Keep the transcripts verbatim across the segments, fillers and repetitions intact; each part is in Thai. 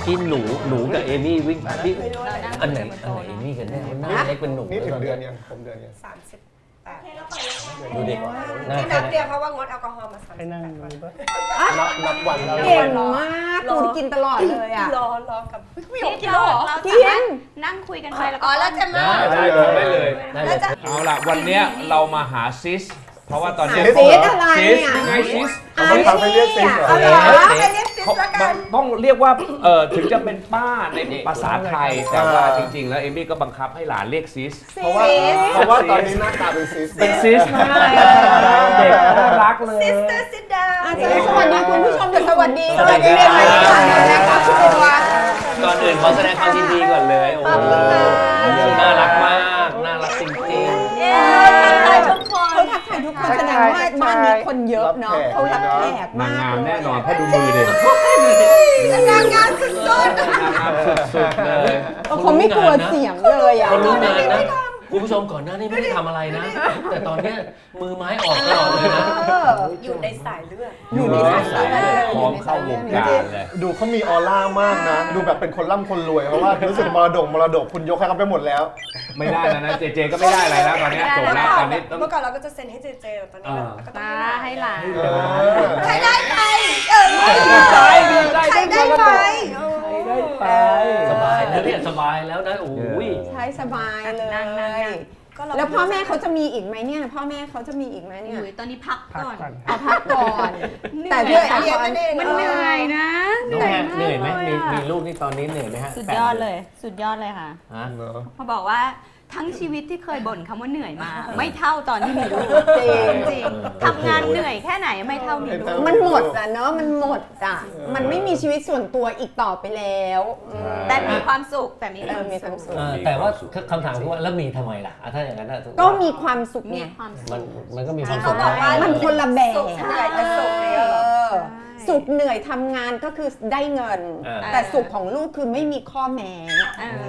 กี้หนูหนูกับเอมี่วิ่งที่อันไหนอันไหนเอมี่กันแน่หน้าเล็กเป็นหนูนี่ถึงเดือนยังผมเดือนยังสามสิบแปดดูดิหน้าที่แค่นับเดียวเพราะว่างดแอลกอฮอล์มาสามสิบแปดวันนับนับวันแล้วเก่งมากตูนกินตลอดเลยอ่ะรอรอกับพี่หยกที่เราเรากิสามารถนนั่งคุยกันไปแล้วอ๋ก็อแล้วจะมาได้ได้เลยแล้วจะเอาล่ะวันเนี้ยเรามาหาซิสเพราะว่าตอนนี้ซีดอะไรซิสอ่ะยังไงซิสอ่ะเขาทำให้เรียกซิสเหรอเอาเหรอไปเรียกซิสเขาละกันต้องเรียกว่าเออถึงจะเป็นป้าในภาษาไทย แต่ว่าจริงๆ แล้วเอมี่ก็บังคับให้หลานเรียกซิสเพราะว่าเพราะว่าตอนนี้หน้าตาเป็นซิสเป็นซิสมากเด็กน่ารักเลยซิสเตอร์ซิดดาวอาจารย์สวัสดีคุณผู้ชมเดี๋ยวสวัสดีสวัสดีเลยนะครับคุณตัวก่อนอื่นขอแสดงความยินดีก่อนเลยโอ้โหน่ารักมากน่ารักจริงเย้ทักทายทุกคนเขาทักทายทุกคนแสดงว่าบ้านนี้คนเยอะเนาะเขารับแขกนางมากงามแน่นอนเพราะดูมือเด็กนางงามสุดนางงามสุดๆเลยเขาไม่กลัวเสียงเลยอ่ะคนรู้งานนะคุณผู้ชมก่อนหน้านี้ไม่ได้ทำอะไรนะ แต่ตอนเนี้ยมือไม้ออกตลอดเลยนะๆอยู่ในสายเลือดอยู่ในสายเลือดพร้อมเข้าวงการเลยดูเขามีออร่ามากนะ ดูแบบเป็นคนร่ำคนรวยเพราะว่ารู้สึกมรดกมรดกคุณยกให้เขาไปหมดแล้วไม่ได้แล้วนะเจเจก็ไม่ได้อะไรแล้วตอนนี้จบแล้วตอนนี้ต้องเมื่อก่อนเราก็จะเซ็นให้เจเจแต่ตอนนี้เราก็ต้องมาให้หลานใครได้ไปเออดีใจดีใจใครได้ไปไปสบายแล้วเนี่ยสบายแล้วนะโอ้ยใช้สบายเลนั่งนั่งนั่ยงแล้วพ่อแม่เขาจะมีอีกไหมเนี่ยพ่อแม่เขาจะมีอีกไหมเนี่ยอุ๊ยตอนนี้พักก่อนเอาพักก่อน แต่เหด้นื่วอย ยอาอะยุมันเหนื่อยนะน้องแม่เหนื่อยไหมากมีลอะมีลูกนี่ตอนนี้เหนื่อยไหมฮะสุดยอดเลย สุดยอดเลยค่ะฮะพอบอกว่าทั้งชีวิตที่เคยบ่นคำว่าเหนื่อยมา ไม่เท่าตอนที่มีลูกจริงจริงทำงานเหนื่อยแค่ไหนไม่เท่ามีลูกมันหมดอ่ะเนาะมันหมดอ่ะมันไม่มีชีวิตส่วนตัวอีกต่อไปแล้วอืมแต่มีความสุขแต่มีเออมีความสุขเออแต่ว่าคำถามคือว่าแล้วมีทำไมล่ะอ่ะถ้าอย่างนั้นน่ะก็มีความสุขมีไงความสุมันขมันก็มีความสุเขาขบอกว่ามันคนละแบบสุขเหนื่อยแต่สุขเนี่ยเออสุขเหนื่อยทำงานก็คือได้เงิน แต่สุขของลูกคือไม่มีข้อแม้เออ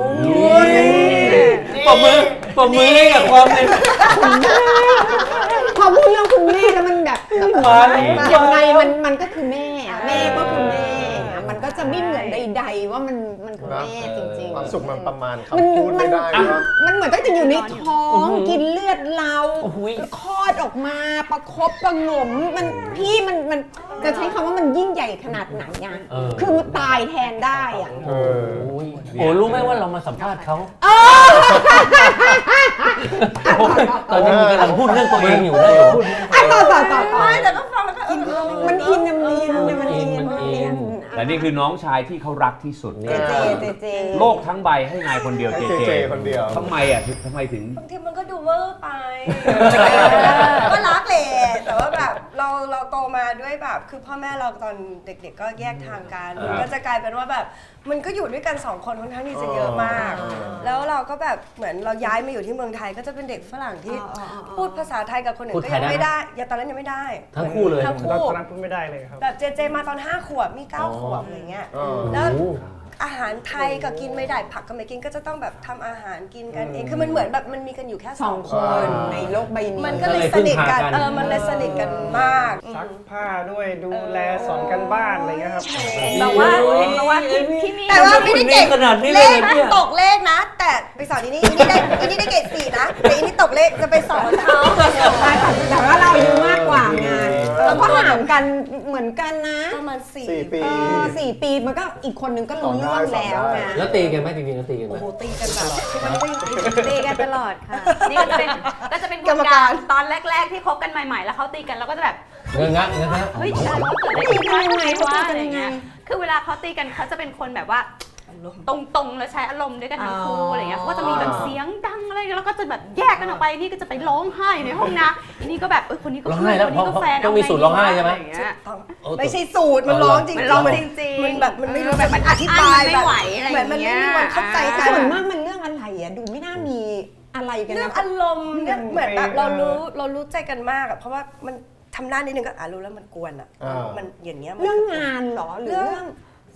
ปรบมือปรบมือให้กับความเป็นพอพูดเรื่องคุณแม่แล้วมันแบบแบบมันยังไงมันมันก็คือแม่อะแม่ก็คือแม่อะมันก็จะไม่เหมือนใดๆว่ามันมันคือแม่จริงความสุขมันประมาณมันคำพูดมัไม่นได้นะๆ มันเหมือนตั้งแต่อยู่ในท้องกินเลือดเราโอ้โหคลอดออกมาประคบประหงมมันพี่มันมันจะใช้คำว่ามันยิ่งใหญ่ขนาดไหนอ่ะเออคือตายแทนได้อ่ะเออโอ้ยโอ้รู้ไหมว่าเรามาสัมภาษณ์เขาตอนนี้มึงกำลังพูดเรื่องตัวเองอยู่นะอยู่อ่ะต่อต่อต่อต่อไม่แต่ก็ฟังแล้วก็เออมันอินนะมันอินนะมันอินมันอินและนี่คือน้องชายที่เขารักที่สุดเจเจเจเจโลกทั้งใบให้นายคนเดียวให้เจเจเจเจคนเดียวทำไมอ่ะทำไมถึงบางทีมันก็ดูเวอร์ไป ก็รักแหละแต่ว่าแบบเราเราโตมาด้วยแบบคือพ่อแม่เราตอนเด็กๆก็แยกทางกันมันก็จะกลายเป็นว่าแบบมันก็อยู่ด้วยกันสองคนค่อนข้างที่จะเยอะมาก แล้วเราก็แบบเหมือนเราย้ายมาอยู่ที่เมืองไทยก็จะเป็นเด็กฝรั่งที่พูดภาษาไทยกับคนอื่นก็ยังไม่ได้อย่าตอนนั้นยังไม่ได้ทั้งคู่เลยทั้งตคู่อนนั้นพูดไม่ได้เลยครับแบบเจเจมาตอนห้าขวบมีเก้าขวบอะไรเงี้ยอ๋อแล้วโอ้อาหารไทยก็กินไม่ได้ผักก็ไม่กินก็จะต้องแบบทำอาหารกินกันเองคือมันเหมือนแบบมันมีกันอยู่แค่สสออง งคคน นในโลกใบนี้มันก็เลยสนิทกันเออมันเลยสนิทกันมากซักผ้าด้วยดูแลสอนกันบ้านอะไรเงี้ยครับเห็นบอกว่าเห็นบอกว่าที่ที่นี่แต่ว่าไม่ได้เก่งขนาดนี้เลเลยขเนี่ยตกเลขนะ แต่ไปสอนอีนี่อีนี่ได้อีนี่ได้เกรดสี่นะแต่อีนี่ตกเลขจะไปสอนเขาแต่ว่าเราอายุมากกว่าไงแล้วก็ห่างกันเหมือนกันนะประมาณสี่สี่ปีเออสี่ปีมันก็อีกคนนึงก็รู้เรื่องแล้วไงแล้วตีกันไหมจริงๆแล้วตีกันไหมโอ้โหตีกันแบบมันไม่ตีกันตลอดค่ะ นี่ก็จะเป็นก็จะเป็นกรรมการตอนแรก ๆ ที่คบกันใหม่ๆ แล้วเขาตีกันเราก็จะแบบเงอะงะเงอะงะเฮ้ยอะไรวะเกิดอะไรขึ้นวะทำไมวะอะไรเงี้ยคือเวลาเขาตีกันเขาจะเป็นคนแบบว่าตรงๆแล้วใช้อารมณ์ด้วยกันทั้งคู่อะไรเงี้ยเขาก็จะมีแบบเสียงดังอะไรแล้วก็จะแบบแยกกันออกไปนี่ก็จะไปร้องไห้ในห้องน้ำอันนี้ก็แบบเออคนนี้ก็ร้องไห้แล้วคนนี้ก็แฟนต้องมีสูตรร้องไห้ใช่ไหมอะรเงี้ยไม่ใช่สูตรมันร้องจริงมันๆร้องมันจริงๆมันแบบมันไม่รู้แบบมันอธิบายอั้นมันไม่แบบไหวอะไรเหมือนมันไม่อย่างเงี้มียวันเข้าใจกัส่วนมากมันเรื่องอะไรอ่ะดูไม่น่ามีอะไรกันเรื่องนะอารมณ์เนี่ยเหมือนแบบเรารู้เรารู้ใจกันมากอะเพราะว่ามันทำหน้านิดนึงก็อ่ะรู้แล้วมันกวนอะอ่ามัมันอย่างเงี้ยมันเรื่องงานเหรอหรือเรื่อง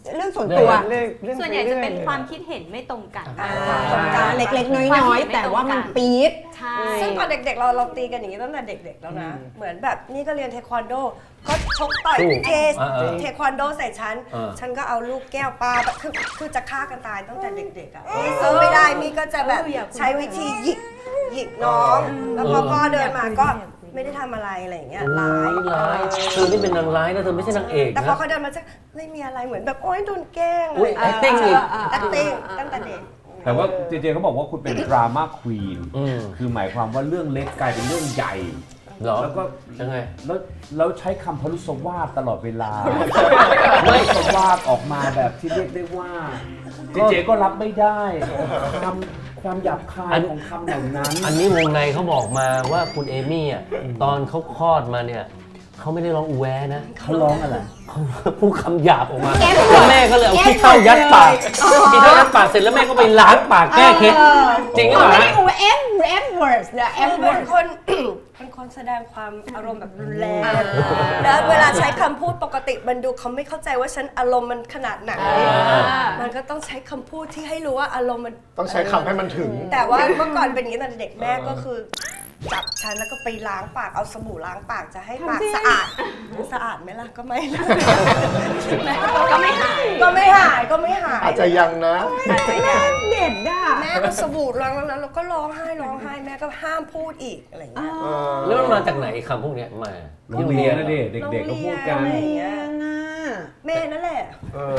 เรื่องส่วนตัวเรื่องเรื่องส่วนใหญ่จะเป็นรื่อยๆความคิดเห็นไม่ตรงกันเล็กๆ น้อยๆ แต่ว่ามันปี๊ดใช่ซึ่งตอนเด็กๆเราเราตีกันอย่างนี้ตั้งแต่เด็กๆแล้วนะ เหมือนแบบนี่ก็เรียนเทควันโดก็ชกต่อยสู้เทอ่าๆเทควันโดใส่ฉันอ่าฉันก็เอาลูกแก้วปลาแบบคือคือจะฆ่ากันตายตั้งแต่เด็กๆอ่ะนี่สู้ไม่ได้มีก็จะแบบใช้วิธีหยิกหยิกน้อง แล้วพอพ่อเดินมาก็ไม่ได้ทำอะไรอะไรอย่างเงี้ยร้ายร้ายเธอนี่เป็นนางร้ายนะเธอไม่ใช่นางเอกแต่พอนะเขาเดินมาจะไม่มีอะไรเหมือนแบบโอ๊ยโดนแกล้งอุ๊ย acting อีก acting ตั้งแต่เด็กแต่ว่าเจเจเขาบอกว่าคุณเป็นดราม่าควีนอืมคือหมายความว่าเรื่องเล็กกลายเป็นเรื่องใหญ่เหรอแล้วก็ยังไงแล้วแล้วใช้คำพลุสวาทตลอดเวลาไม่พลุสวาทออกมาแบบที่เรียกได้ว่า เจเจก็รับไม่ได้คำความหยาบคายของคำเหล่านั้นอันนี้วงในเขาบอกมาว่าคุณเอมี่อ่ะตอนเขาคลอดมาเนี่ยเขาไม่ได้ร้องอูแวนะเขาร้องอะไรเขาพูดคำหยาบออกมาแก้ปวดแล้วแม่ก็เลยเอาแก้ขี้เถ้ายัดปากปวดขี้เถ้ายัดปากเสร็จแล้วแม่ก็ไปล้างปากแก้เคล็ดจริงหรือเปล่าไม่ฮะได้อูเอฟเอฟเวิร์สเดอะเอฟคือเวิเป็ร์นสคน เป็นคนแสดงความอารมณ์แบบรุนแรงแล้วเวลาใช้คำพูดปกติมันดูเขาไม่เข้าใจว่าฉันอารมณ์มันขนาดไหนมันก็ต้องใช้คำพูดที่ให้รู้ว่าอารมณ์มันต้องใช้คำให้มันถึงแต่ว่าเมื่อก่อนเป็นอย่างนี้ตอนเด็กแม่ก็คือจับฉันแล้วก็ไปล้างปากเอาสบู่ล้างปากจะให้ปากสะอาดสะอาดไหมล่ะก็ไม่ก็ไม่หายก็ไม่หายก็ไม่หายอาจจะยังนะเด็ดอ่ะแม่ก็สบู่ล้างแล้วเราก็ร้องไห้ร้องไห้แม่ก็ห้ามพูดอีกอะไรอย่างเงี้ยแล้วมันมาจากไหนคำพวกเนี้ยมาโรงเรียนนะเด็กเด็กๆก็พูดกันโรงเรียน แม่นั่นแหละเออ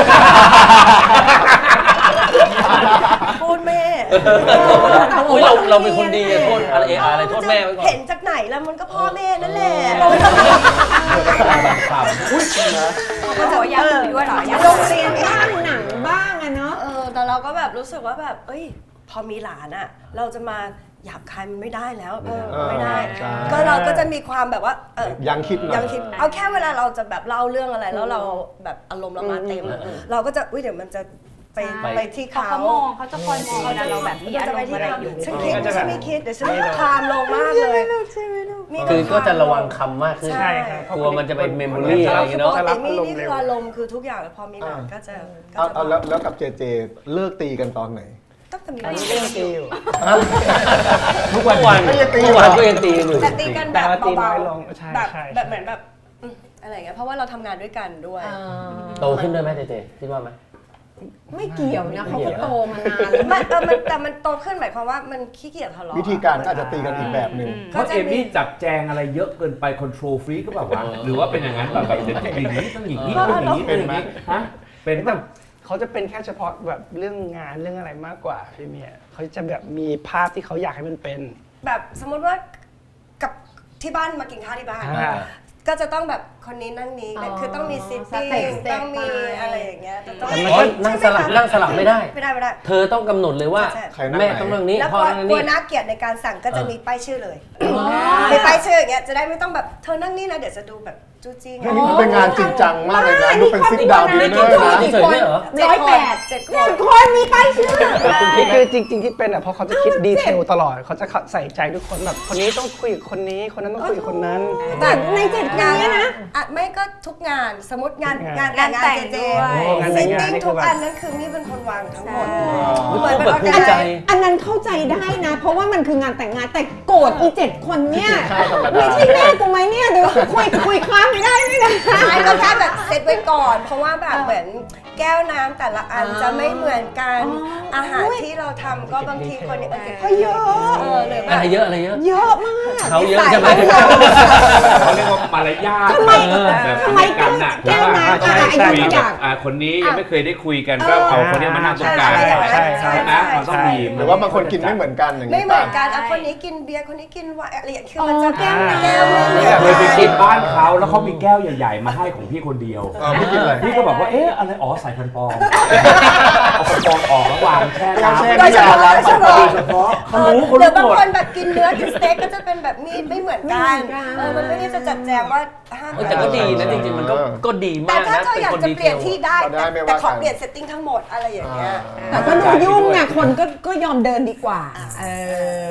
พูดแม่อุ้ยเราเราเป็นคนดีอะโทษอะไรเอะอะไรโทษแม่ไว้ก่อนเห็นจากไหนแล้วมันก็พ่อแม่นั่นแหละอุ้ยนะเขาบอกว่าอยากคุยด้วยเหรออยากโรงเรียนบ้างหนังบ้างอะเนาะเออแต่เราก็แบบรู้สึกว่าแบบเอ้ยพอมีหลานอ่ะเราจะมาหยาบคายมันไม่ได้แล้วเออไม่ได้ใช่ก็เราก็จะมีความแบบว่าเออยังคิดหน่อยยังคิดเอาแค่เวลาเราจะแบบเล่าเรื่องอะไรแล้วเราแบบอารมณ์เรามาเต็มอะเราก็จะอุ้ยเดี๋ยวมันจะไปไปที่เขาเขาเขามองเขาจะคอยมองเวลาเราแบบมีเดี๋ยวอาจะรไปมณ์ที่อะไรเขาอยู่ฉันคิดฉันไม่คิดเดี๋ยวฉันคลามลงมากเลยคือก็จะระวังคำมากขึ้นใช่กลัวมันจะเป็นเมมโมรี่อะไรอย่างเงี้ยปเนาะกติมีนี่คืออารมณ์คือทุกอย่างพอมีหลานก็จะก็เอาจะเอาแล้วแล้วกับเจเจเลิกตีกันตอนไหนต้องจะมีอันนี้ก็ยังตีอยู่ทุกวันวันก็ยังตีทุกวันก็ยังตีกันอยู่แต่ตีกันแบแต่บว่าตีเบาน้อยลงๆใช่แบบใช่แบบเหมือนแบบอืมอะไรอย่างเงี้ยเพราะว่าเราทำงานด้วยกันด้วยโตขึ้นด้วยไหมเจเจคิดว่าไหมไม่เกี่ยวนะเขาก็โตมานานมัแล้วนเออมันแต่มันโตขึ้นหมายความว่ามันขี้เกียจทะเลาะวิธีการก็อาจจะตีกันอีกแบบหนึ่งเพราะเอมี่จับแจงอะไรเยอะเกินไปคอนโทรลฟรีก็แบบว่าหรือว่าเป็นอย่างนั้นแบบแบบเดี๋ยวอย่างนี้ต้องอย่างนี้ต้องอย่างนี้เป็นไหมฮะเป็นแบบเขาจะเป็นแค่เฉพาะแบบเรื่องงานเรื่องอะไรมากกว่าพี่เมียเขาจะแบบมีภาพที่เขาอยากให้มันเป็นแบบสมมติว่ากับที่บ้านมากินข้าวที่บ้านอ่าก็จะต้องแบบคนนี้นั่งนี้อ๋อคือต้องมีซิทติ้งสเต็ปสเต็ปต้องมีไปอะไรอย่างเงี้ยแต่ต้องแต่มันก็นั่งสลับนั่งสลับไม่ได้ไม่ได้ไม่ได้เธอต้องกำหนดเลยว่าใช่ใครนั่งไหนแม่ต้องนั่งนี้แล้วพ่กอลัวนั่งกลัวนี่น่าเกลียดในการสั่งก็จะเออมีป้ายชื่อเลยมีป้ายชื่ออย่างเงี้ยจะได้ไม่ต้องแบบเธอนั่งนี่นะเดี๋ยวจะดูแบบจู้จี้อันนี้มันเป็นงานจริงจังมากเลยนะ ดูเป็นซิกดาวดินเนอร์นะเฉยๆไม่เหรอเจ็ดร้อยคแปนดเจ็ดคหนึ่นงคนมีป้ายชื่อนี่คือจริง ๆ ที่เป็นอ่ะเพราะเขาจะคิดดีเทลตลอดเขาจะใส่ใจทุกคนแบบคนนี้ต้องคุยกับคนนี้คนนั้นต้องคุยกับคนนั้นแต่ในเจ็ดงานเนี่ยนะอ่ะไม่ก็ทุกงานสมมติงานทุกงางานแต่งงานเจเจงานแต่ซิงทงานติ้งนี่คืทุอก แบบอันนั้นคือนี่เป็นคนวางทั้งหมดมันเหมืต้ออน งเป็นแบบออภูแกมิไนใจซ์อันนั้นเข้าใจได้นะ เพราะว่ามันคืองานแต่งงานแต่โกรธอีเจ็ดคนเนี่ยไม่ใช่แม่กูไหมเนี่ยเดี๋ยวคุยคุยค้างไม่ได้ไม่ได้ใช่ก็แค่แบบเซตไว้ก่อน เพราะว่าแบบเหมือนแก้วน้ำแต่ละอันจะไม่เหมือนกัน อาหารที่เราทำก็บางทีคนนี้ก็เยอะเออหรือแบอะบไรเยอะอะไรเยอะเยอะมากเขาเยอะใช่ไหมเขาเรียกว่ามารยาททำไมเออแบบทำไมกันน่ะแก้วน้ำใช่อะไรใช่ทุกอย่างอ่าคนนี้ยังไม่เคยได้คุยกันก็เอาคนนี้มานั่งตรงกลางใช่ใช่ใช่ใช่ไหมมันต้องมีหรือว่าบางคนกินไม่เหมือนกันอย่างไม่นี้เหมืป่ะอนกันอ่ะคนนี้กินเบียร์คนนี้กินไวน์อะไรอย่างเงี้ยคืออ๋อมันจะแก้วน้ำแก้วไม่เหมือนเคยไปกักินนบ้านเขาแล้วเขามีแก้วใหญ่ๆมาให้ของพี่คนเดียวเออพี่กินอะไรพี่ก็บอกว่าเอ๊ะอะไรอ๋อใส่ฟันปลอมเอาฟันปลอมออกแล้ววางแช่น้ำโดยเฉพาะโดยเฉพาะโดยเฉพาะเขารู้เขาหรืรู้อบางหมดคนแบบกินเนื้อกินสเต็กก็จะเป็นแบบมีดไม่เหมือนกันไม่เหมือนกันเออมันไม่ได้จะจัดแจงว่าห้ามเออแต่ก็ดีนะจริงๆมันก็ก็ดีแต่มากถ้านะเธอเป็นอยากคนจะดีเปเทลี่ยนลที่ได้ก็ได้ไม่ว่าแต่ขอกันเปลี่ยนเซตติ้งทั้งหมดอะไรอย่างเงี้ยแต่ก็ดูยุ่งไงคนก็ก็ยอมเดินดีกว่า เออแต่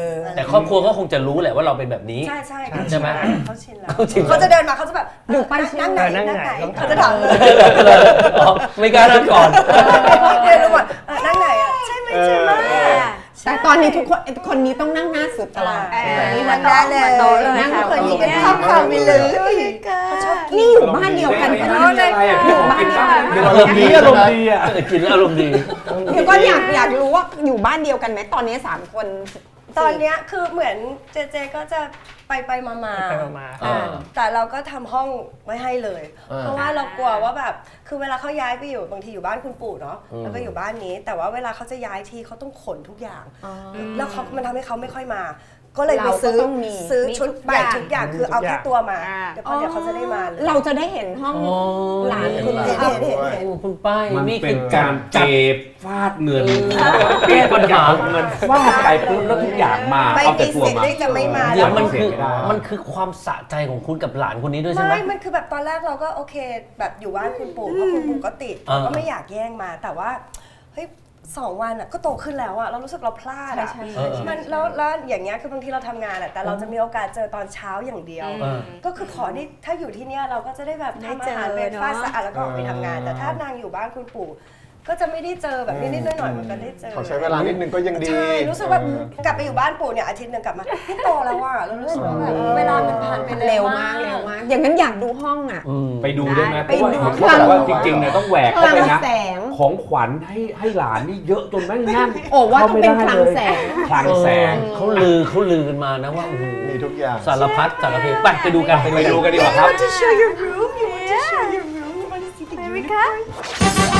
แต่ครอบครัวก็คงจะรู้แหละว่าเราเป็นแบบนี้ใช่ใช่ใช่ไหมเขาชินแล้วเขาชินแล้วเขาจะเดินมาเขาจะแบบดูป้ายชื่อนั่งไหนเออนั่นั่งงไหไหนนเขาจะถามเลยอ๋อไม่กล้านั่งก่อนเดินลงมาเออนั่งไหนอ่ะใช่ไหมใช่ไหมแต่ตอนนี้ทุกคนคนนี้ต้องนั่งหน้าสุดตลอดเออนี่นี่มัมัน นได้ได้เลเลย ยโตเลยนั่งค่ะคนนี้กันข้ามความไปเลยเขาชอบกินนี่อยู่บ้านเดียวกันไม่ปะไม่เนี่ยไม่อะไรอ่ะพี่ผมกินบ้างอารมณ์ดีอารมณ์ดีอ่ะกินแล้วอารมณ์ดีเดี๋ยวก็อยากอยากรู้ว่าอยู่บ้านเดียวกันไหมตอนนี้สามคนตอนเนี้ยคือเหมือนเจเจก็จะไปไปมามาไปมาอ่าแต่เราก็ทำห้องไว้ให้เลยอ่าเพราะว่าเรากลัวว่าแบบคือเวลาเขาย้ายไปอยู่บางทีอยู่บ้านคุณปู่เนาะแล้วก็อยู่บ้านนี้ แต่ว่าเวลาเขาจะย้ายทีเขาต้องขนทุกอย่าง แล้วเขามันทำให้เขาไม่ค่อยมา ก็เลยไปซื้อเราก็ต้องมีซื้อชุดมีทุกใหม่อย่างทุกอย่างคือเอาแค่ตัวมาอ่าเดี๋ยวพอเดี๋ยวเขาจะได้มาเลยเราจะได้เห็นห้องอ๋อหลานเห็นคุณเห็นครับเห็นเห็นโอ้คุณป้ายมันนี่เป็คืนอการเก็บฟาดเงินแก้ปัญหาเอาเงินฟาดไปปุ๊บแล้วทุกอย่างมาไม่เอาแต่มีตัวสิทธิ์มาที่จะไม่มาเดี๋ยวมันคือไม่ได้มันคือความสะใจของคุณกับหลานคนนี้ด้วยใช่ไหมไม่ มันคือแบบตอนแรกเราก็โอเค แบบอยู่บ้านคุณปู่เพราะคุณปู่ก็ติดอ่าก็ไม่อยากแย่งมา แต่ว่าเฮ้ยสองวันอ่ะก็โตขึ้นแล้วอ่ะเรารู้สึกเราพลาดอ่ะใช่ใช่เออเออมันแล้วแล้วอย่างเงี้ยคือบางทีเราทำงานอ่ะแต่เราจะมีโอกาสเจอตอนเช้าอย่างเดียวเออก็คือขอที่ถ้าอยู่ที่เนี้ยเราก็จะได้แบบได้ทำเจอาอหารเบรกฟาสต์เนอะสะอาดแล้วก็ออกไปทำงาน แต่ถ้านางอยู่บ้านคุณปู่ก็จะไม่ได้เจอแบบนิดๆหน่อยๆมันก็ได้เจอขอใช้เวลานิดนึงก็ยังดีใช่รู้สึกว่ากลับไปอยู่บ้านปู่เนี่ยอาทิตย์หนึ่งกลับมาพี่โตแล้วว่ะเรารู้สึกว่าแบบเวลามันผ่านไปเร็วมากเร็วมาก อย่างนั้นอยากดูห้องอ่ะอืมไปดูได้ไหมเพไปราะว่าดูเห็นเขาบอกว่าจริงๆเนี่ยต้องแหวกเข้าไปนะคลังแสงของขวัญให้ให้หลานนี่เยอะจนแม่งแน่นโอ้ว่าต้องเป็นคลังแสงคลังแสงเขาลือเขาลือกันมานะว่าโอ้โหมีทุกอย่างสารพัดสารเพไปไปดูกันไปดูกันดีกว่าครับ to show your room you want to show your room you want to see the unicorn